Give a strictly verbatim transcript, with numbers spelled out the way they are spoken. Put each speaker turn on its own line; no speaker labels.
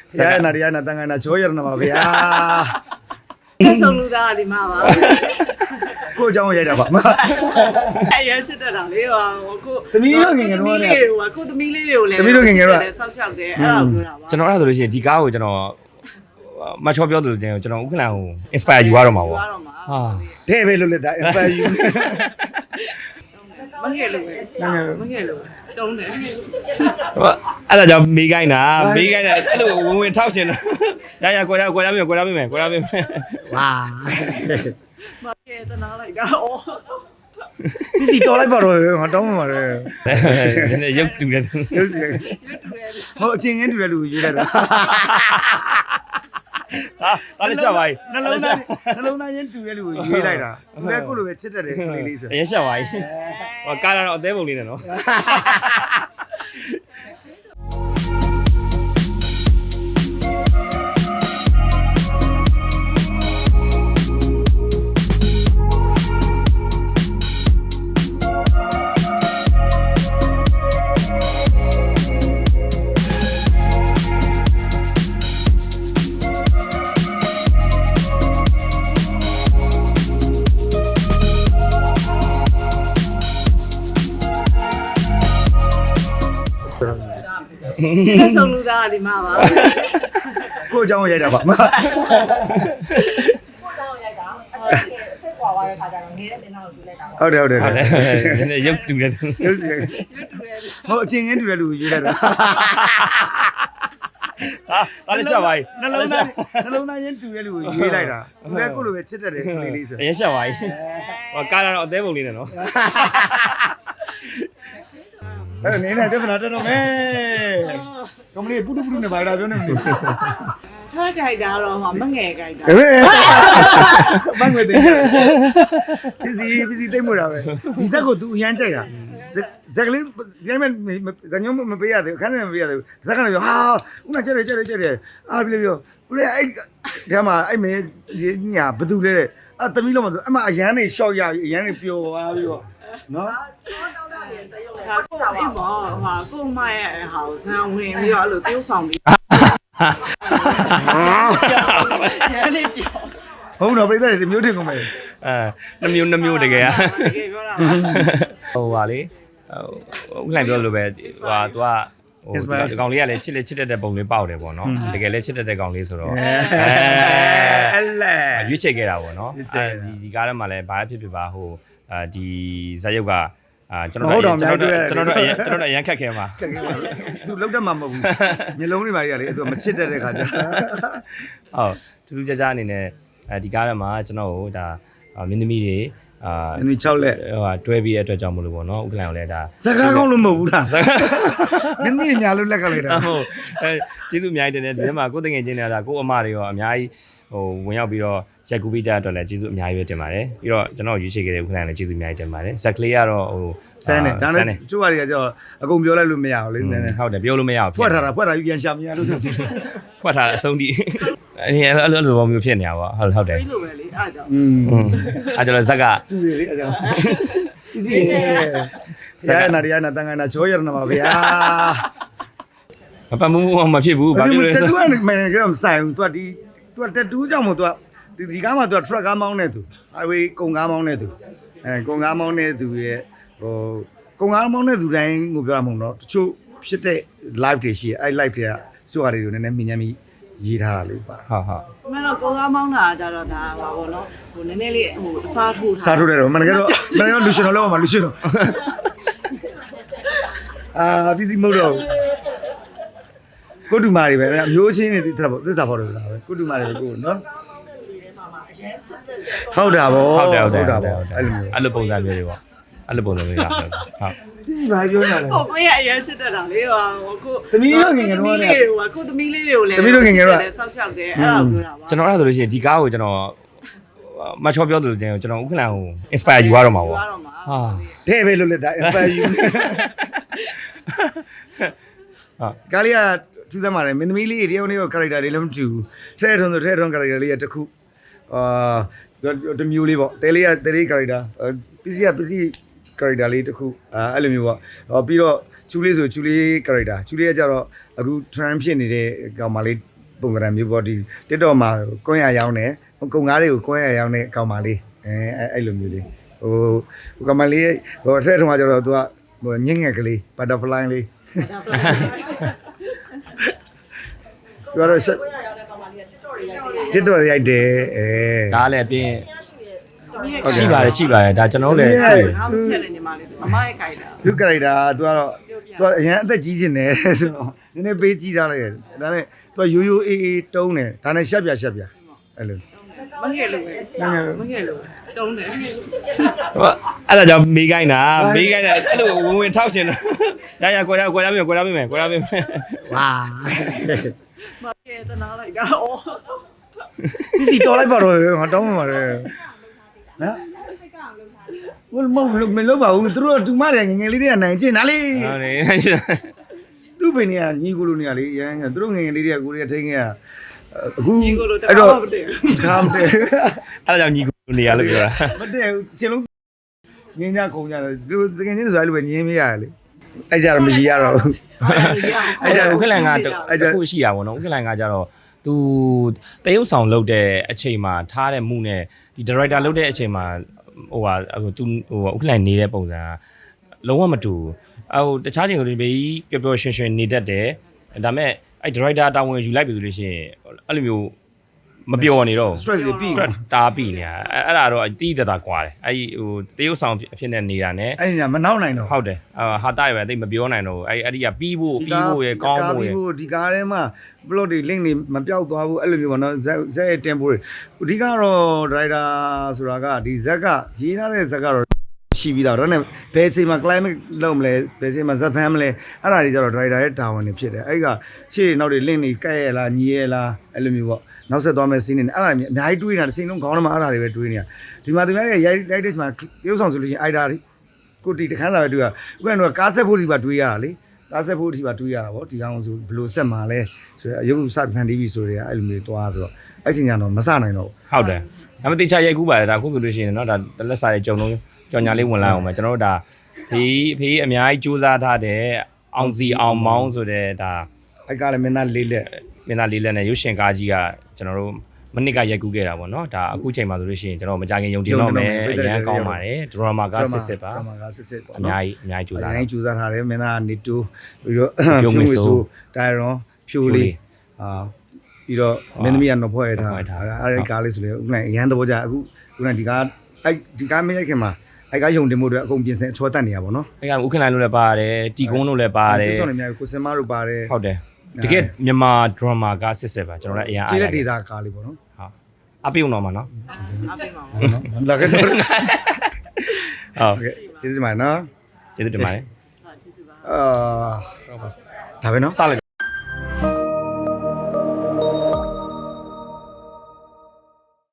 ဆရာနာရီယာနာတန်ခါနာချောရနာပါဗျာ
ဆက်ဆုံးလူသားဒီမှာပါ
ကိုအကြောင်းရိုက်တာပါ
အရင်ချစ်တတ်တာလေဟိုကို
သမီးတို့ငယ်ငယ်တော့လည်း
ကိုသမီးလေးတွေကိုလည်း
သမီးတို့ငယ်ငယ်တော့
ဆောက်ရှောက်တယ်အဲ့ဒါကိုပြောတာပါ
ကျွန်တော်အဲ့ဒါဆိုလို့ရှိရင်ဒီကားကိုကျွန်တော်မချောပြောသလိုကျွန်တော်ဥက္ကလန်ကို inspire ယူရတော့မှာပေါ့ဟာ
တဲ့ပဲလို့လက်တာ inspire ယူ
မငယ်လို့မငယ်လို့တုံးတယ်
အဲ့ဒါကြောင့်မေးခိုင်းတာမေးခိုင်းတာအဲ့လိုဝင်ဝင်ထောက်ချင်တာရရကွာရကွာရပြီကွာရပြီမယ်ကွာရပြီမယ်
ဝါ
မကဲတနာလိုက်တာဩ
ဒီစီတော်လိုက်ပါတော့ငါတောင်းမှာလေ
နည်းနည်းရုပ်တူတယ်
ရုပ်ရှင်ဟိုအချင်းချင်းတူတဲ့လူရေးလိုက်တာ
ဟာဒါလည်းရှာပါ යි
နှလုံးသားနှလုံးသားချင်းတူတဲ့လူကိုရေးလိုက်တာသူလည်းကိုလိုပဲချစ်တတ်တယ်ကလေးလေးဆို
အရင်ရှာပါ යි ဟောကားတော့အသေးပုံလေးနဲ့နော်
ဆက်ဆုံးလူသားဒီမှာပါ
ကိုအကြောင်းရိုက်တာပါ
ကိုကြောင်ရိုက်တာအဲ့ဒါဆက်ကွာသွားတဲ့ခါကျတော့ငယ်တဲ့တင်တော့ယူလိုက်တာပေါ့
ဟုတ်တယ်ဟုတ်တယ်
ဟုတ်တယ်နည်းနည်းရုပ်တူတယ်
ရုပ်ရှင်ဟိုအချင်းချင်းတူတဲ့လူရေးလိုက်တာ
ဟာဒါလည်းရှာပါ යි
နှလုံးသားနှလုံးသားချင်းတူတဲ့လူကိုရေးလိုက်တာသူလည်းကိုလိုပဲချစ်တတ်တယ်ကလေးလေးဆို
အရင်ရှာပါ යි ဟောကားတော့အသေးပုံလေးနဲ့နော်
အဲ့နေနဲ့ပြဿနာတက်တော့မယ်ကမလေးပုတုပုတုနဲ့ဘာလာပြောနေမလို့
ချွဲကြိုက်တာတော့မငယ်ကြိုက်တာ
ဟဲ့ဘန်ငွေတင်ပစ္စည်းပစ္စည်းတိတ်မို့တာပဲဒီဇက်ကို तू အရန်ကြိုက်တာဇက်ကလေးဒီမဲ့ဇညုံမပေးရသေးဘူးခန်းထဲမပေးရသေးဘူးဇက်ကလည်းပြောဟာဦးနာကြက်တယ်ကြက်တယ်ကြက်တယ်အားပြလို့ပြောဦးလေးအဲ့ဒီမှာအဲ့မင်းညာဘသူလဲအဲ့သမီးလုံးမဆိုအမအရန်နေရှော့ရပြီအရန်နေပျော်သွားပြီးတော့နော်
ချောတောင်းတာနေစရုပ်လဲ
ဟာကိုအိမ်မောဟာကိုမရဲ့ဟောဆန်းဝင်ပြီးတော့အဲ့လိုတိုးဆောင်ပြီးကျန်နေပြော
ဟုတ်တော့ပြိဿတွေမျိုးထင်ကုန်မယ်
အဲနှမျိုးနှမျိုးတကယ်อ่ะ
တကယ်ပြောတာ
ဟိုပါလေဟိုဥက္ကလန်ပြောလို့ပဲဟိုဟာ तू อ่ะဟိုဒီကောင်လေးကလည်းချစ်လက်ချစ်တတ်တဲ့ပုံလေးပေါက်တယ်ပေါ့နော်တကယ်လည်းချစ်တတ်တဲ့ကောင်လေးဆိုတော့
အဲ့လဲ
ရွေးချယ်ခဲ့တာပေါ့နော်အဲဒီဒီကားထဲမှာလည်းဘာဖြစ်ဖြစ်ပါဟိုအာဒီဇာတ်ရုပ်ကအာကျွန်တော်တို့ကျွန်တော်တို့ကျွန်တော်တို့ကျွန်တော်တို့အရန်ခက်ခဲမှာ
သူလောက်တတ်မှာမဟုတ်ဘူးမျိုးလုံးတွေပါကြီးကလေသူမချစ်တတ်တဲ့ခါကျ
ဟုတ်တူတူကြကြအနေနဲ့အဲဒီကားထဲမှာကျွန်တော်တို့ဒါမင်းသမီးတွေအာ
အင်း၆လက်
ဟိုဟာတွဲပြီးတဲ့အတွက်ကြောင့်မလို့ပေါ့နော်ဥက္ကလန်ကိုလည်းဒါ
စကားကောင်းလို့မဟုတ်ဘူးလားမင်းကြီးညာလို့လက်ကလိုက်တာ
ဟုတ်အဲကျေးဇူးအများကြီးတင်တယ်ဒီထဲမှာကိုယ်တငယ်ချင်းတွေကဒါကိုအမတွေရောအများကြီးဟိုဝင်ရောက်ပြီးတော့ရိုက်ကူပေးကြတဲ့အတွက်လည်းကျေးဇူးအများကြီးပဲတင်ပါတယ်ပြီးတော့ကျွန်တော်ရွေးချယ်ခဲ့တဲ့ဥက္ကလန်လည်းကျေးဇူးအများကြီးတင်ပါတယ်ဇက်ကလေးကတော့ဟို
ဆန်းတယ်ဒါနဲ့ကျိုးပါတွေကကြောအကုန်ပြောလိုက်လို့မရဘူးလေနည်းနည်း
ဟုတ်တယ်ပြောလို့မရဘူး
ဖွက်ထားတာဖွက်ထားယူပြန်ရှာမရလို့ဆို
ဖွက်ထားအဆုံးထိအဲအဲ့လိုလိုပုံမျိုးဖြစ်နေတာပေါ့ဟုတ်ဟုတ်တယ်
ပြီးလို့ပဲလေအားကြောင့်
อืม
အဲကျွန်တော်ဇက်က
သူတွေလေအကြောင်းဒီစီဆရာနာရီယာနာတန်ခါနာချောရနာပါဗျာ
မပတ်မှုမဖြစ်ဘူးဘာဖြစ်လဲ
တူကမင်းကတော့မဆိုင်ဘူး तू ဒီ तू တက်တူးကြောင့်မို့ तू ဒီဒီကားမှာ तू truck ကားမောင်းနေသူ highway ကုန်ကားမောင်းနေသူအဲကုန်ကားမောင်းနေသူရဲ့ဟိုကုန်ကားမောင်းနေသူတိုင်းကိုပြောရမှာမဟုတ်တော့တချို့ဖြစ်တဲ့ live တွေရှိရဲ့အဲ live တွေကစွာတွေကိုနည်းနည်းမြင်ညမ်းပြီးရေးထားတာလေးပါ
ဟုတ်ဟုတ်
မင်းတော့ကိုကားမောင်းတာကြတော့ဒါပါဘောနော်ဟိုနည်းနည်းလေးဟိုအစားထိုးထား
စားထုတ်တယ်တော့မနက်ကတော့မနက်ကတော့လူရှင်တော်လောက်ပါလူရှင်တော်အာဘီစီမဟုတ်တော့ကိုတူမာတွေပဲအမျိုးချင်းတွေသစ္စာပေါ့သစ္စာပေါ့တော့လားပဲကိုတူမာတွေကိုနော်ဟုတ်တာဗော
ဟုတ်တယ်ဟုတ်တယ်
တာ
ဟုတ်တယ်
ဗော
ဟုတ်တယ်
အဲ့လိုမျိုး
အဲ့လိုပုံစံမျိုးတွေပေါ့အဲ့လိုပုံစံမျိုးတွေဟုတ်
ဘီစီဘာပြောနေလဲ
ဟိုကိုရအရင်ချစ်တတ်တာလေဟိုကို
သမီးတို့ငယ်ငယ်တော့လည်း
ကိုသမီးလေးတွေကိုလည်း
သမီးတို့ငယ်ငယ်တော့
ဆောက်ရှောက်တယ်အဲ့ဒါကိုပြောတာပါ
ကျွန်တော်အဲ့ဒါဆိုလို့ရှိရင်ဒီကားကိုကျွန်တော်မချောပြောသလိုကျွန်တော်ဥက္ကလန်ကို inspire ယူရတော့မှာပေါ့
ပြောတော့မှာ
ဟာ
တဲ့ပဲလို့လက်တာ inspire you
ဟာ
ကားလေးကထူးဆန်းပါတယ်မင်းသမီးလေးတယောက်နဲ့ character တွေလည်းမတူဘူးထဲထုံဆိုထဲထုံ character လေးကတစ်ခုအာတမျိုးလေးပေါ့တဲလေးကတဲလေး character ပစ္စည်းကပစ္စည်း character လေးတစ်ခုအဲအဲ့လိုမျိုးပေါ့ပြီးတော့ချူလေးဆိုချူလေး character ချူလေးကကြတော့အခု trend ဖြစ်နေတဲ့ကောင်မလေးပုံကံမျိုးပေါ့ဒီ TikTok မှာကွန်းရရောင်းတယ်ကုံကားတွေကိုကွန်းရရောင်းတဲ့အကောင်မလေးအဲအဲ့လိုမျိုးလေးဟိုဟိုကောင်မလေးဟိုအထက်ထုံးကကျတော့ तू ကဟိုညင်ငယ်ကလေး butterfly လေး तू ကတော့ဆက် TikTok ရိုက်တယ်အဲ
ဒါလည်းအပြင်ရှိပါတယ်ရှိပါတယ်ဒါကျွန်တော်တို့လည်း
ငါ့ကိုဖျက်နေညီမလေးမမရဲ့ခိုင်တာ
သူကလိုက်တာ तू ကတော့ तू အရင်အသက်ကြီးနေတယ်ဆိုတော့နည်းနည်းပေးကြီးထားလိုက်တယ်ဒါနဲ့ तू ရိုးရိုးအေးအေးတုံးတယ်ဒါနဲ့ရှက်ပြရှက်ပြအဲ့လို
မငယ်လို့ပဲမငယ်လို့တုံးတယ်
ဟိုအဲ့ဒါကြောင့်မေးခိုင်းတာမေးခိုင်းတာအဲ့လိုဝင်ဝင်ထောက်ရှင်တော့ရရကွယ်ရကွယ်ရပြီကွယ်ရပြီမယ်ကွယ်ရပြီမယ်
ဝါ
မကဲတနာလိုက်တာအော်
ဒီစီတော်လိုက်ပါတော့ငါတောင်းမှပါတယ်နော်ဘယ်မလို့မလို့ပါဘူးသူတို့တူမတွေငငယ်လေးတွေကနိုင်ကျင်တာလေ
ဟုတ်တယ်
သူ့ပင်တွေကညီကိုလိုနေရလေရမ်းသူတို့ငငယ်လေးတွေကကိုရီးယားထိန်းခဲ့ရအခု
ညီကိုလိုတ
အဲ့
ကား
တော့
မတည့်
ခါမတည့်
အဲ့ဒါကြောင့်ညီကိုနေရလို့ပြောတာ
မတည့်ဘူးချင်းလုံးငင်းကြခုံကြတယ်သူတကယ်ချင်းဆိုအဲ့လိုပဲညင်းမရလေအဲ့ကြတော့မရရတော့ဘူး
အဲ့ဒါဥက္ကလန်ကအခုရှိတာပေါ့နော်ဥက္ကလန်ကကြတော့သူတရုပ်ဆောင်လုပ်တဲ့အချိန်မှာထားတဲ့မှုနဲ့ဒီ director လုပ်တဲ့အချိန်မှာဟိုဟာသူဟိုဥက္ကလန်နေတဲ့ပုံစံကလုံးဝမတူဘူးဟိုတခြားချိန်ကလေးပဲပျော်ပျော်ရွှင်ရွှင်နေတတ်တယ်ဒါပေမဲ့အဲ့ director တာဝန်ယူလိုက်ပြီဆိုလို့ရှိရင်အဲ့လိုမျိုးမပျော်နေတော့
stress တွေပြီး
stress တားပြီးနေတာအဲ့အဲ့ဒါတော့တီးတတာကွာတယ်အဲ့ဒီဟိုတရုပ်ဆောင်အဖြစ်နဲ့နေတာ ਨੇ
အဲ့ညာမနောက်နိုင်တော့
ဟုတ်တယ်ဟာတာရပဲတိတ်မပြောနိုင်တော့အဲ့အဲ့ဒီကပြီးဖို့ပြီးဖို့ရယ်ကောင်းဖို့ရယ်
ဒီကားထဲမှာ plot တွေ link တွေမပြောက်သွားဘူးအဲ့လိုမျိုးပေါ့နော်ဇက်ဇက်ရဲ့ tempo တွေအဓိကတော့ driver ဆိုတာကဒီဇက်ကရေးထားတဲ့ဇက်ကတော့ရှိပြီးသားဒါနဲ့ဘယ်အချိန်မှာ climate လုံးမလဲဘယ်အချိန်မှာဇက်ဖမ်းမလဲအဲ့ဒါတွေကျတော့ driver ရဲ့တာဝန်တွေဖြစ်တယ်အဲ့ဒီကရှေ့နောက်တွေ link တွေကဲ့ရလားညီရလားအဲ့လိုမျိုးပေါ့နောက်ဆက်သွားမဲ့ scene တွေအဲ့ဒါတွေအများကြီးတွေးနေတာတစ်ချိန်လုံးခေါင်းထဲမှာအဲ့ဒါတွေပဲတွေးနေတာဒီမှာသူများရဲ့ရိုက်ရိုက်တဲ့ချိန်မှာပြုတ်ဆောင်ဆိုလို့ရှိရင်အဲ့ဒါတွေကိုတီတခန်းစာပဲတွေးရဥပမာတော့ကားဆက်ဖို့ဒီပါတွေးရတာလေကားဆက်ဖို့ဒီပါတွေးရတာပေါ့ဒီကောင်ဆိုဘယ်လိုဆက်မှာလဲဆိုတော့ရုပ်စဖန်တီးပြီဆိုတော့အဲ့လိုမျိုးသွားဆိုတော့အဲ့ချိန်ကျတော့မစနိုင်တော့
ဟုတ်တယ်ဒါပေမဲ့တေချာရိုက်ကူးပါတယ်ဒါအခုဆိုလို့ရှိရင်เนาะဒါလက်စာရဲ့ကြုံလုံးကြော်ညာလေးဝင်လာအောင်မယ်ကျွန်တော်တို့ဒါဖေးဖေးအများကြီးစူးစမ်းထားတဲ့အောင်စီအောင်မောင်းဆိုတဲ့ဒါ
အဲ့ကလည်းမင်းသားလေးလက်
မင်းသားလေးလက်နဲ့ရုပ်ရှင်ကားကြီးကကျွန်တော်တို့မနစ်ကရိုက်ကူးခဲ့တာပေါ့เนาะဒါအခုချိန်မှာဆိုလို့ရှိရင်ကျွန်တော်မကြခင်ယုံတင်တော့မယ်အရန်ကောင်းပါတယ်ဒရမာကစစ်စစ်ပါ
ဒရမာကစစ်စစ်ပေါ့
အများကြီးအများကြီးစူးစမ်း
အများကြီးစူးစမ်းထားတယ်မင်းသားကနေတူပြီးတော့ဖြိုးမွေဆိုတိုင်ရွန်ဖြိုးလေးအာပြီးတော့မင်းသမီးကတော့ဖွဲ့ရထားအဲ့ဒီကားလေးဆိုလေဥက္ကဋ္ဌအရန်သဘောကျအခုခုနဒီကားအဲ့ဒီကားမရိုက်ခင်မှာအဲ့ကားယုံတင်မှုတွေအကုန်ပြင်ဆင်အချောတက်နေရပါတော့
အဲ့ကဥက္ကဋ္ဌလို့လည်းပါတယ်တီကုန်းလို့လည်းပါတယ်
ကျဆုံးနေများကိုစင်မတို့ပါတယ်
ဟုတ်တယ်တကယ်မြန်မာဒရမာကစစ်စစ်ပါကျွန်တော်လည်းအရင်အား
ကျေး
ရ
လက်ဒေတာကားလေးပေါ့နော်
ဟုတ်အပြုံတော့မှာနော်
အပိမောင်
နော်လာခဲ့တော့
ဟုတ်
ကဲ့ကျေးဇူးတင်ပါတယ်နော်
ကျေးဇူးတင်ပါတယ်
ဟာကျေးဇူးပါ
အာဒါပဲနော်
စလိုက်